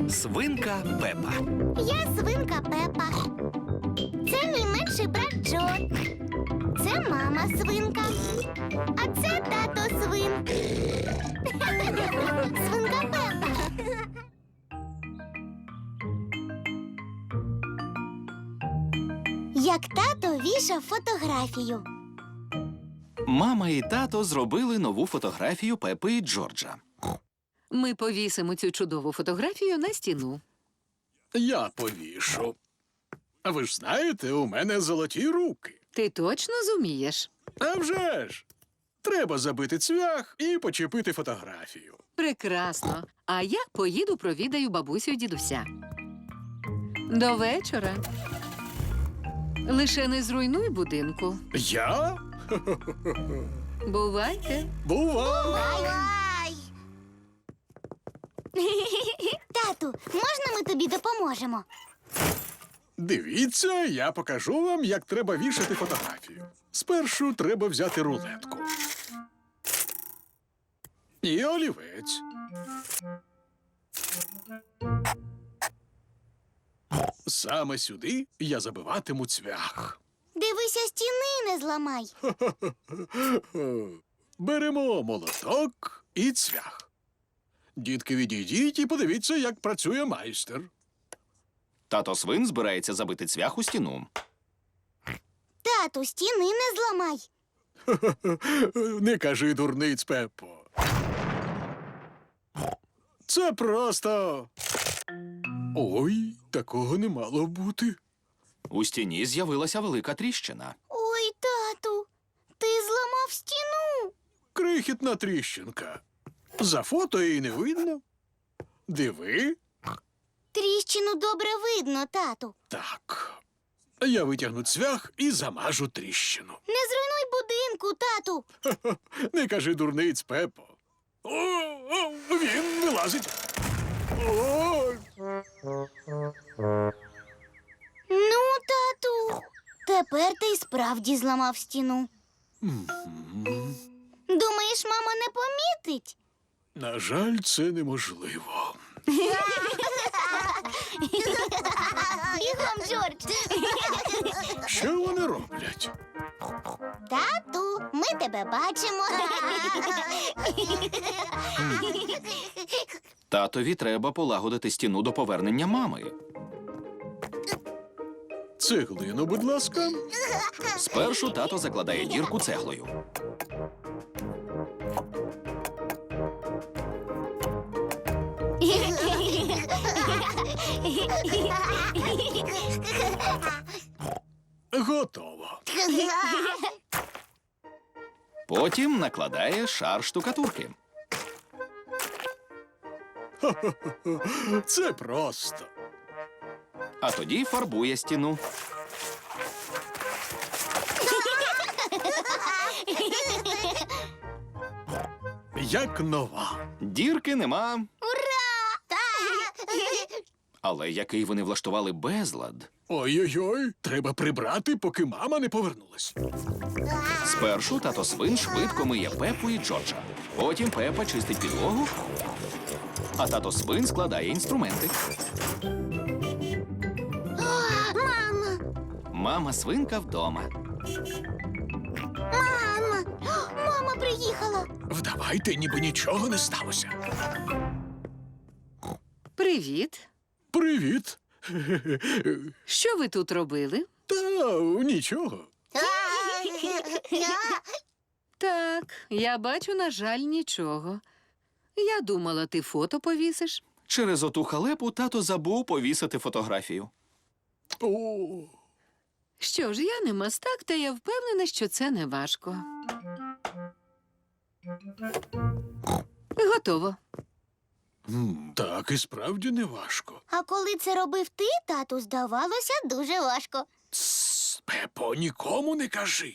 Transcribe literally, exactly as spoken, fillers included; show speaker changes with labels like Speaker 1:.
Speaker 1: Свинка Пепа.
Speaker 2: Я свинка Пепа. Це мій менший брат Джо. Це мама свинка. А це тато свин. Свинка Пепа. Як тато вішав фотографію.
Speaker 1: Мама і тато зробили нову фотографію Пепи і Джорджа.
Speaker 3: Ми повісимо цю чудову фотографію на стіну.
Speaker 4: Я повішу. А ви ж знаєте, у мене золоті руки.
Speaker 3: Ти точно зумієш?
Speaker 4: А вже ж! Треба забити цвях і почепити фотографію.
Speaker 3: Прекрасно. А я поїду провідаю бабусю і дідуся. До вечора. Лише не зруйнуй будинку.
Speaker 4: Я?
Speaker 3: Бувайте.
Speaker 4: Бува!
Speaker 2: Бай-бай! Тату, можна ми тобі допоможемо?
Speaker 4: Дивіться, я покажу вам, як треба вішати фотографію. Спершу треба взяти рулетку. І олівець. Саме сюди я забиватиму цвях.
Speaker 2: Дивися, стіни не зламай.
Speaker 4: Беремо молоток і цвях. Дітки, відійдіть і подивіться, як працює майстер.
Speaker 1: Тато свин збирається забити цвях у стіну.
Speaker 2: Тату, стіни не зламай.
Speaker 4: Не кажи дурниць, Пеппо. Це просто. Ой, такого не мало бути.
Speaker 1: У стіні з'явилася велика тріщина.
Speaker 2: Ой, тату, ти зламав стіну.
Speaker 4: Крихітна тріщинка. За фото її не видно. Диви.
Speaker 2: Тріщину добре видно, тату.
Speaker 4: Так. Я витягну цвях і замажу тріщину.
Speaker 2: Не зруйнуй будинку, тату.
Speaker 4: Не кажи дурниць, Пеппо. О, о, він вилазить. О!
Speaker 2: Ну, тату, тепер ти й справді зламав стіну.
Speaker 4: М.
Speaker 2: Думаєш, мама не помітить?
Speaker 4: На жаль, це неможливо.
Speaker 2: Бігом, Джордж.
Speaker 4: Що вони роблять?
Speaker 2: Тату, ми тебе бачимо.
Speaker 1: Татові треба полагодити стіну до повернення мами.
Speaker 4: Цеглину, будь ласка.
Speaker 1: Спершу тато закладає дірку цеглою.
Speaker 4: Готово.
Speaker 1: Потім накладає шар штукатурки.
Speaker 4: Це просто.
Speaker 1: А тоді фарбує стіну.
Speaker 4: Як нова.
Speaker 1: Дірки нема.
Speaker 2: Ура!
Speaker 1: Але який вони влаштували безлад.
Speaker 4: Ой-ой-ой, треба прибрати, поки мама не повернулась.
Speaker 1: Спершу тато свин швидко миє Пепу і Джорджа. Потім Пепа чистить підлогу, а тато свин складає інструменти.
Speaker 2: Мама!
Speaker 1: Мама свинка вдома.
Speaker 2: Мама! Мама приїхала.
Speaker 4: Вдавайте, ніби нічого не сталося.
Speaker 3: Привіт.
Speaker 4: Привіт.
Speaker 3: Що ви тут робили?
Speaker 4: Та нічого.
Speaker 3: Так, я бачу, на жаль, нічого. Я думала, ти фото повісиш.
Speaker 1: Через оту халепу тато забув повісити фотографію.
Speaker 4: О,
Speaker 3: Що ж, я не мастак, та я впевнена, що це не важко. Готово.
Speaker 4: м, так і справді не важко.
Speaker 2: А коли це робив ти, тату, здавалося дуже важко.
Speaker 4: Тсс, Пепо, нікому не кажи.